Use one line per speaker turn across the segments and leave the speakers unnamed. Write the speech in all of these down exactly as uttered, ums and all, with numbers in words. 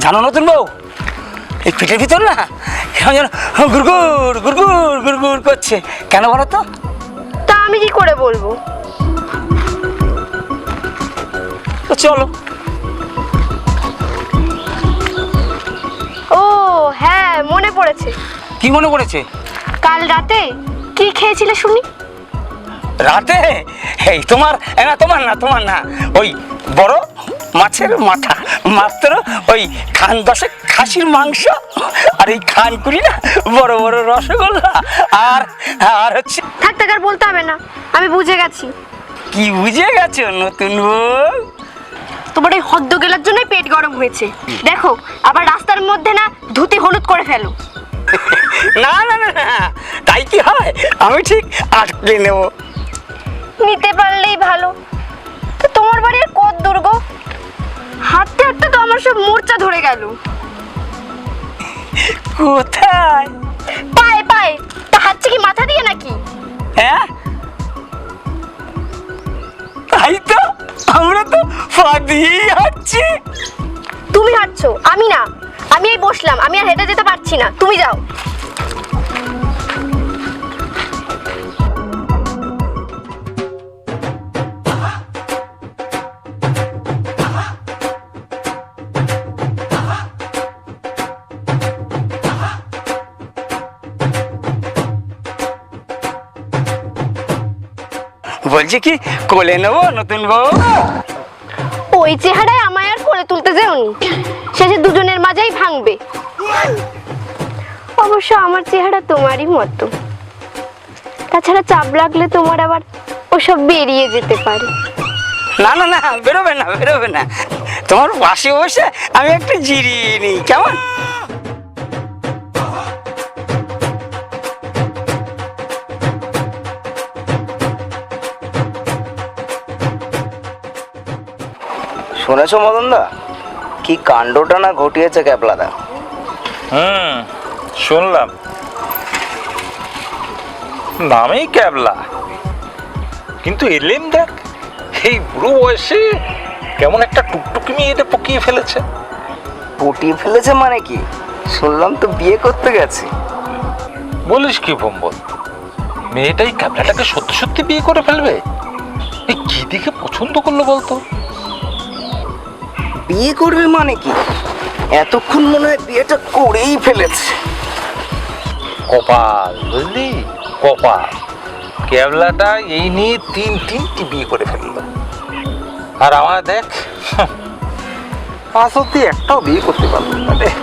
জানো নতুন বউ, এই পেটের ভিতর না কেমন যেন গুড়গুড় গুড়গুড় গুড়গুড় করছে, কেন বলো তো?
তা আমি কি করে বলবো?
তো চলো।
ও হ্যাঁ, মনে পড়েছে।
কি মনে পড়েছে?
কাল রাতে কি খেয়েছিলে শুনি?
রাতে এই তোমার না তোমার না তোমার না ওই বড় মাছের মাথা, মাত্র ওই খান দশে খাসির মাংস, আর এই খান কুড়ি না বড় বড় রসগোল্লা, আর আর হচ্ছে।
থাক থাক আর বলতে হবে না, আমি বুঝে গেছি।
কি বুঝে গেছো নতুন বউ?
তোমার এই হদ্দ গেলার জন্যই পেট গরম হয়েছে। দেখো আবার রাস্তার মধ্যে না ধুতি হলুদ করে ফেলো।
না না না না, তাই কি হয়? আমি ঠিক আটকে নেব।
নিতে পারলেই ভালো। তো তোমার বাড়ির কত দুর্গ, হাঁটতে হাঁটতে তো আমার সব মূর্ছা ধরে গেল।
কোথায়?
পায়ে পায়ে। তা হাঁটছে কি মাথা দিয়ে নাকি?
হ্যাঁ তাই তো, আমরা তো পা দিয়েই হাঁটছি।
তুমি হাঁটছো, আমি না। আমি এই বসলাম, আমি আর হেঁটে যেতে পারছি না, তুমি যাও।
বলছি কি কোলে নেবো নতুন বউ?
ওই চেহারায় আমায় আর কোলে তুলতে যেওনি, শেষে দুজনের মাঝেই ভাঙবে। অবশ্য আমার চেহারা তোমারই মতো, তাছাড়া চাপ লাগলে তোমার আবার ওসব বেরিয়ে যেতে পারে।
না না না, বেরোবে না বেরোবে না, তোমার পাশে বসে আমি একটু জিরিয়ে নিই, কেমন? শুনেছো মদনদা, কি কাণ্ডটা না ঘটিয়েছে ক্যাপলাদা?
হুম, শুনলাম। নামেই ক্যাবলা, কিন্তু এলেম দেখ এই বুড়ো বয়সে কেমন একটা টুকটুকি মেয়েটা পকিয়ে ফেলেছে।
পটিয়ে ফেলেছে মানে কি? শুনলাম তো বিয়ে করতে গেছে।
বলিস কি ভম্বল, মেয়েটাই ক্যাবলাটাকে সত্যি সত্যি বিয়ে করে ফেলবে? এই কি দেখে পছন্দ করলো বলতো?
বিয়ে করবে মানে কি? এতক্ষণ মনে হয় বিয়েটা করেই ফেলেছে।
কপাল, বুঝলি, কপাল। ক্যাবলাটা এই নিয়ে তিন তিনটি বিয়ে করে ফেললো, আর আমার দেখ আজ অব্দি একটাও বিয়ে করতে পারলো না রে।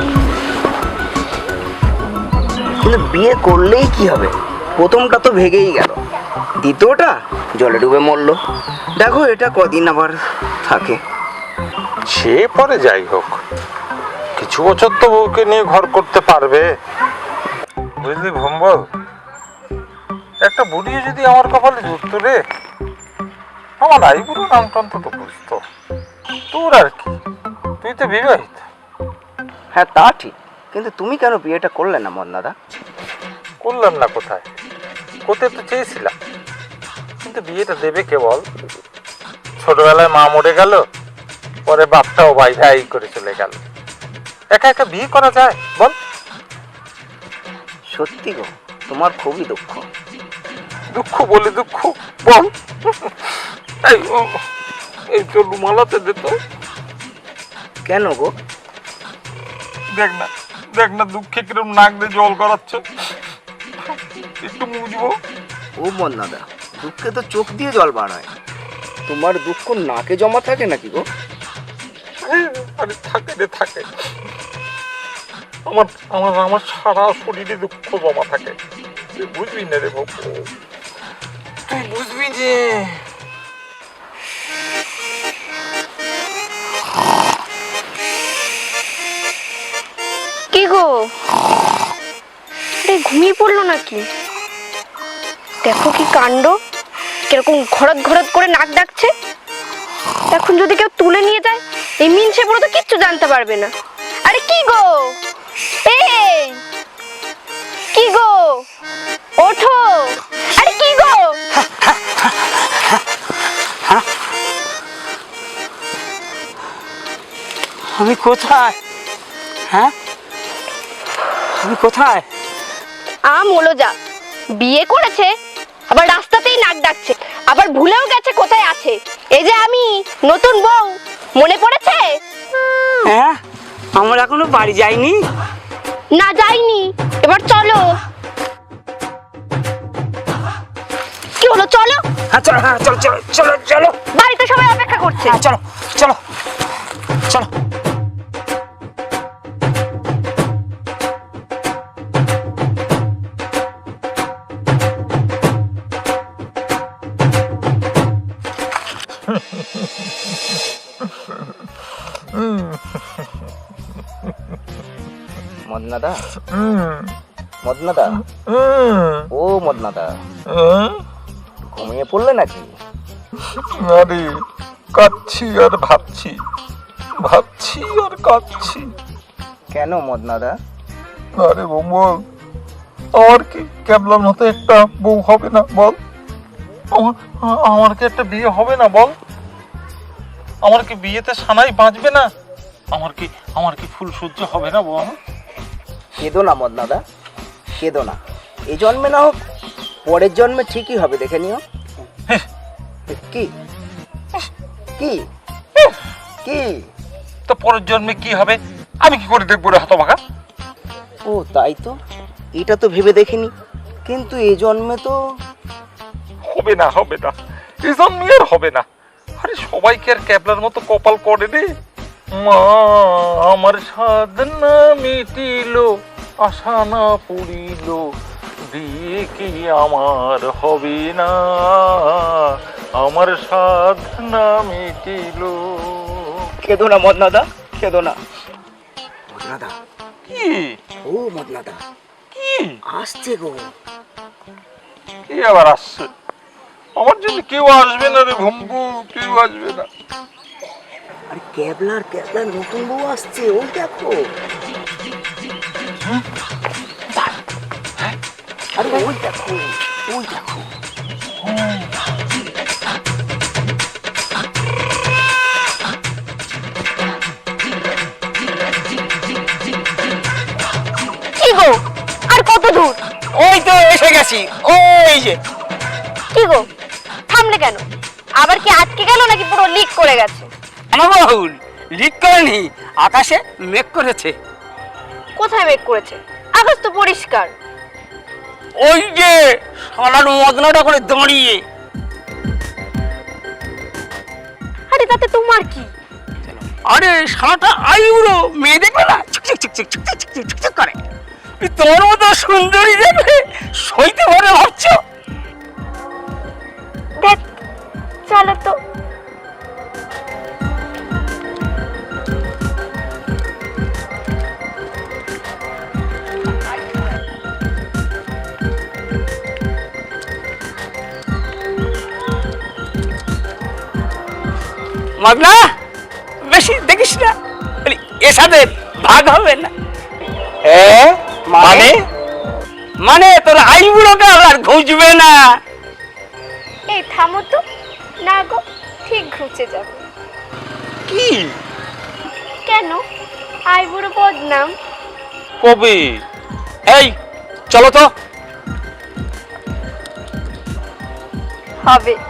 কিন্তু বিয়ে করলেই কি হবে? প্রথমটা তো ভেগেই গেল, দ্বিতীয়টা জলে ডুবে মরলো। দেখো এটা কদিন আবার থাকে।
সে পরে যাই হোক, কিছু বছর তো বউকে নিয়ে ঘর করতে পারবে, বুঝলি ভম্বল। একটা বুড়ি যদি আমার কপালে জুটতো রে, আমার আইবুড়ো নামটা অন্তত বুঝতো। তোর আর কি, তুই তো বিবাহিত।
হ্যাঁ তা ঠিক, কিন্তু তুমি কেন বিয়েটা করলে না মন্নাদা?
করলাম না কোথায়, করতে তো চেয়েছিলাম, কিন্তু বিয়েটা দেবে কে বল? ছোটবেলায় মা মরে গেল, পরে বাপটাও ভাই ভাই করে চলে গেল, একা একা বিয়ে করা যায় বল?
সত্যি গো, তোমার খুবই দুঃখ।
দুঃখ বলে দুঃখ বল? এই ও, এই তো রুমালাতে দে তো।
কেন গো?
দেখ না, দেখ না দুঃখে কিরম নাক দিয়ে জল করাচ্ছে, একটু মুছবো।
ও মন্নাদা, দুঃখে তো চোখ দিয়ে জল বার হয়, তোমার দুঃখ নাকে জমা থাকে নাকি গো?
আরে থাকে রে থাকে, আমার আমার আমার সারা শরীরে দুঃখ জমা থাকে, তুই বুঝবি না রে বাবু, তুই বুঝবি যে।
কি গো, আরে ঘুমিয়ে পড়লো নাকি? দেখো কি কাণ্ড, কিরকম ঘরত ঘরত করে নাক ডাকছে। এখন যদি কেউ তুলে নিয়ে যায়, এই মিনসে পুরো তো কিচ্ছু জানতে পারবে না। আরে কি গো, এই কি গো, ওঠো। আরে কি গো,
আমি কোথায়? হ্যাঁ তুমি কোথায়?
আম হলো যা, বিয়ে করেছে আবার রাস্তাতেই নাক ডাকছে, আবার ভুলেও গেছে কোথায় আছে। এই যে আমি নতুন বউ, মনে পড়েছে?
হ্যাঁ আমরা এখনো বাড়ি যাইনি।
না যাইনি, এবার চলো। কি হলো, চলো।
হ্যাঁ চলো, হ্যাঁ চলো চলো চলো চলো,
বাড়িতে সবাই অপেক্ষা করছে।
হ্যাঁ চলো চলো চলো।
মদনাদা, মদনাদা, ও মদনাদা, ঘুমিয়ে পড়লে নাকি?
আরে কাঁদছি আর ভাবছি, ভাবছি আর কাঁদছি।
কেন মদনাদা?
আরে বল, আমার কি ক্যাবলার মতো একটা বউ হবে না বল? আমার আমার কি একটা বিয়ে হবে না বল? আমার কি বিয়েতে সানাই বাঁচবে না? আমার কি আমার কি ফুল সহ্য হবে না বল?
কেঁদো না মদনাদা, কেঁদো না। এই জন্মে না হোক, পরের জন্মে ঠিকই হবে, দেখে নিও। কি কি কি
তো পরের জন্মে কি হবে আমি কি করে দেখবো রে হতভাগা?
ও তাই তো, এটা তো ভেবে দেখিনি। কিন্তু এই জন্মে তো
হবে না, হবে না, এই জন্মে আর হবে না। আরে সবাই কি আর ক্যাবলার মতো কপাল করে রে? মা আমার সাধনা মিটিল, আশা না পুরিল, বিয়ে কি আমার হবে না, আমার সাধনা মিটিল।
কেঁদো না মদনাদা, কেঁদো না মদনাদা।
কি
ও মদনাদা,
কি
আসছে গো।
কি আবার আসছে? আমার জন্য কেউ আসবে না রে ভম্বু, কেউ আসবে না।
আরে ক্যাবলার ক্যাবলার নতুন বউ আসছে, ওই দেখো। আরে ওই দেখো, ওই দেখো।
কি গো, আর কত দূর?
ওই তো এসে গেছি, ওই যে।
কি গো, থামলে কেন? আবার কি আটকে গেল নাকি পুরো লিক করে গেছে?
আমার বাহুল লিক করেনি, আকাশে মেঘ করেছে।
কোথায় মেঘ করেছে? আকাশ তো পরিষ্কার।
ওই যে সারার মদনাটা করে দাঁড়িয়ে।
আরে তাতে তোমার কি?
আরে সারাটা আইউরো মেয়ে দেখবে না, ছিক ছিক ছিক ছিক ছিক ছিক ছিক ছিক ছিক করে। এই তোমার মতো সুন্দরী দেখবে সইতে পারে ভাবছো?
দেখ, চলো তো।
মদনা বেশি দেখিস না, বলি, এর সাথে ভাগ হবে না।
মানে
মানে তোর আইবুড়োটা আর ঘুষবে না।
এই থামো তো, না গো, ঠিক ঘুচে যাবে।
কি
কেন? আইবুড়ো বদনাম
কবি? এই চলো তো।
হবে।